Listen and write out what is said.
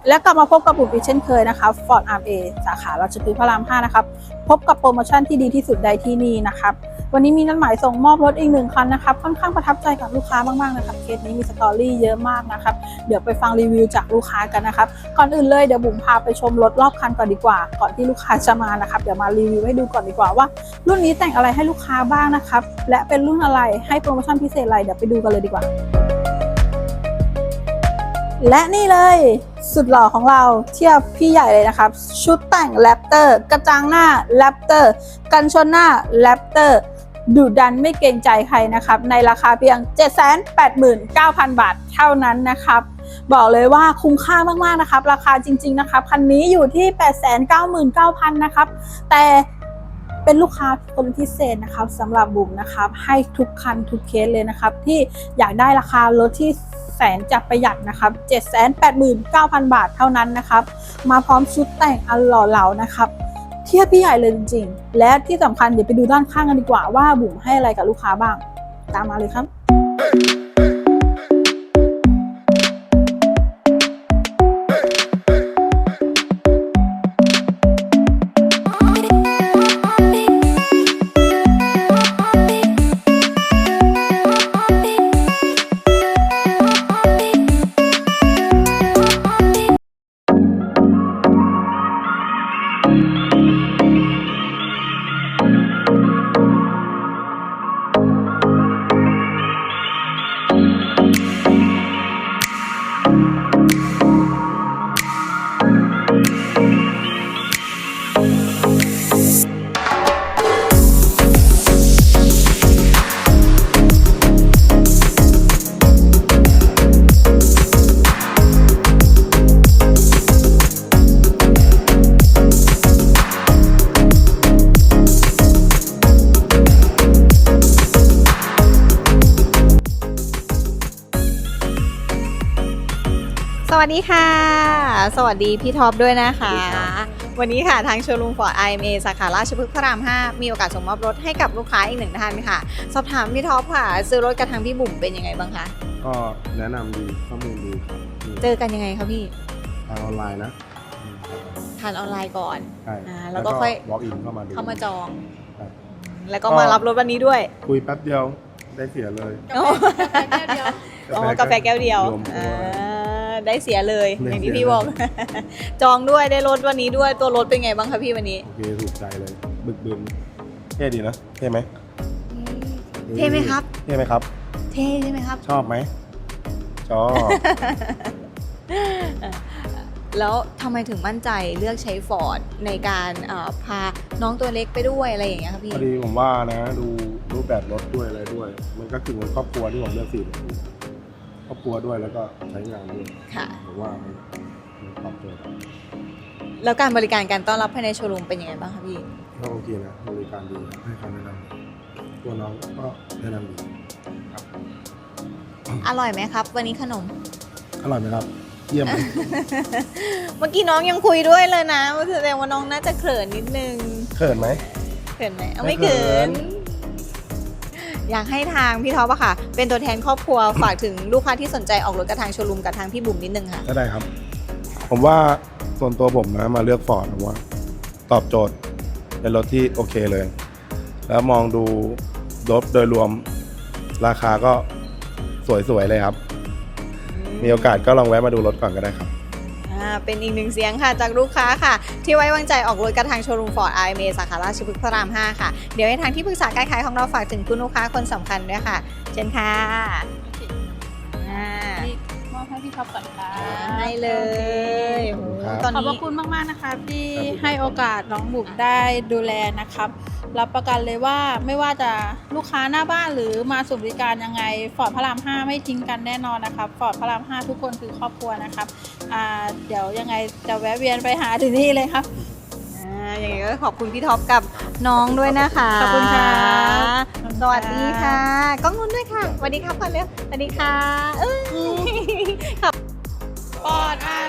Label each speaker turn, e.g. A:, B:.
A: และกลับมาพบกับบุ๋มอีกเช่นเคยนะคะ Ford RA สาขาราชพฤกษ์พระราม 5 นะครับพบกับโปรโมชั่นที่ดีที่สุดใดที่นี่นะครับวันนี้มีนัดหมายส่งมอบรถอีก1 คันนะครับค่อนข้างประทับใจกับลูกค้ามากๆนะครับเคสนี้มีสตอรี่เยอะมากนะครับเดี๋ยวไปฟังรีวิวจากลูกค้ากันนะครับก่อนอื่นเลยเดี๋ยวบุ๋มพาไปชมรถรอบคันก่อนดีกว่าก่อนที่ลูกค้าจะมานะครับเดี๋ยวมารีวิวให้ดูก่อนดีกว่าว่ารุ่นนี้แต่งอะไรให้ลูกค้าบ้างนะครับและเป็นรุ่นอะไรให้โปรโมชั่นพิเศษอะไรเดี๋ยวไปดูกันเลยดีกว่าและนี่เลยสุดหล่อของเราเทียบพี่ใหญ่เลยนะครับชุดแต่งแรปเตอร์กระจังหน้าแรปเตอร์กันชนหน้าแรปเตอร์ดุดันไม่เกรงใจใครนะครับในราคาเพียง 789,000 บาทเท่านั้นนะครับบอกเลยว่าคุ้มค่ามากๆนะครับราคาจริงๆนะครับคันนี้อยู่ที่ 899,000 นะครับแต่เป็นลูกค้าคนพิเศษนะครับสำหรับบุ๋มนะครับให้ทุกคันทุกเคสเลยนะครับที่อยากได้ราคารถที่แสนจะประหยัดนะครับ 789,000 บาทเท่านั้นนะครับมาพร้อมชุดแต่งอันหล่อเหลานะครับเทียบพี่ใหญ่เลยจริงๆและที่สำคัญเดี๋ยวไปดูด้านข้างกันดีกว่าว่าบุ๋มให้อะไรกับลูกค้าบ้างตามมาเลยครับ
B: สวัสดีค่ะสวัสดีพี่ท็อปด้วยนะคะวันนี้ค่ะทางโชว์รูม Ford RMA สาขาราชพฤกษ์พระราม 5มีโอกาสส่งมอบรถให้กับลูกค้าอีก1 ท่านค่ะสอบถามพี่ท็อปค่ะซื้อรถกับทางพี่บุ๋มเป็นยังไงบ้างคะ
C: ก็แนะนำดีข้อมูลดีครับ
B: เจอกันยังไงคะพี่
C: ทางออนไลน์นะ
B: ทานออนไลน์ก่อน
C: ใช่
B: แล้วก็ค่อย
C: walk in เข้ามาดู
B: จอง
C: ใช่
B: แล้วก็มารับรถวันนี้ด้วย
C: คุยแป๊บเดียวได้เสียเลย
B: อ๋อกาแฟแก้วเดียว
C: รวมตัว
B: ได้เสียเลย
C: ได้
B: อย่างที่
C: เสีย
B: พี่บอก จองด้วยได้รถวันนี้ด้วยตัวรถเป็นไงบ้างคะพี่วันนี้
C: โอเคถูกใจเลยบึกบึนเท่ดีนะเท่ไหม
B: เท่ไหมครับ
C: เท่ไหมครับ
B: เท่ใช่ไหมครับ
C: ชอบไหมชอบ
B: แล้วทำไมถึงมั่นใจเลือกใช้ฟอร์ดในการพาน้องตัวเล็กไปด้วยอะไรอย่างเงี้ยครับพี่
C: พอดีผมว่านะดูรูปแบบรถด้วยอะไรด้วย มันก็คือเหมือนครอบครัวที่ผมเลือก4ครอบครัวด้วยแล้วก็ใช้งานด้วย
B: ค่ะ
C: ผมว่ามันตอบโจทย์
B: แล้วการบริการการต้อนรับภายในโชว์รูมเป็นยังไงบ้างคะพี่
C: ก็โอเคนะบริการดีให้คำแนะนำตัวน้องก็แนะนำดีครับ
B: อร่อยไหมครับ วันนี้ขนม
C: อร่อยไหมครับเยี่ยมไหม
B: เมื่อกี้น้องยังคุยด้วยเลยนะแสดงว่าน้องน่าจะเขินนิดนึง
C: เขินไหม
B: เขินไหมเอา
C: ไม่
B: ไม่
C: เขิ
B: เขิน
C: น
B: อยากให้ทางพี่ท็อปอะค่ะ เป็นตัวแทนครอบครัว ฝากถึงลูกค้าที่สนใจออกรถกับทางโชว์รูมกับทางพี่บุ๋มนิดนึงค่ะ
C: ก็ได้ครับ ผมว่าส่วนตัวผมนะมาเลือกฟอร์ดผมว่าตอบโจทย์เป็นรถที่โอเคเลย แล้วมองดูรถโดยรวมราคาก็สวยๆเลยครับ มีโอกาสก็ลองแวะมาดูรถก่อนก็ได้ครับ
B: เป็นอีกหนึ่งเสียงค่ะจากลูกค้าค่ะ ที่ไว้วางใจออกรถกับทางโชว์รูม Ford RMA สาขาราชพฤกษ์พระราม 5 ค่ะ เดี๋ยวให้ทางที่ปรึกษาการขายของเราฝากถึงคุณลูกค้าคนสำคัญด้วยค่ะ เชิญค่ะ
A: นี่มอบให้พี่ท็อปก่อนค่ะ
B: ได้เลย
C: ขอบคุณครับ
B: ตอน
A: ขอบพ
B: นี้
A: ระคุณมากๆนะคะที่
C: ครับ
A: ให้โอกาสน้องบุ๋มได้ดูแลนะครับรับประกันเลยว่าไม่ว่าจะลูกค้าหน้าบ้านหรือมาสู่บริการยังไงฟอร์ดพระราม 5 ไม่ทิ้งกันแน่นอนนะครับฟอร์ดพระราม 5 ทุกคนคือครอบครัวนะครับเดี๋ยวยังไงจะแวะเวียนไปหาถึงที่เลยครับ
B: อย่างนี้ก็ขอบคุณพี่ท็อปกับน้องด้วยนะคะ
A: ขอบคุณค่ะ
B: สวัสดีค่ะกล้องนู้นด้วยค่ะสวัสดีครับก่อนเร็วสวัสดีค่ะ
A: ฟอร์ด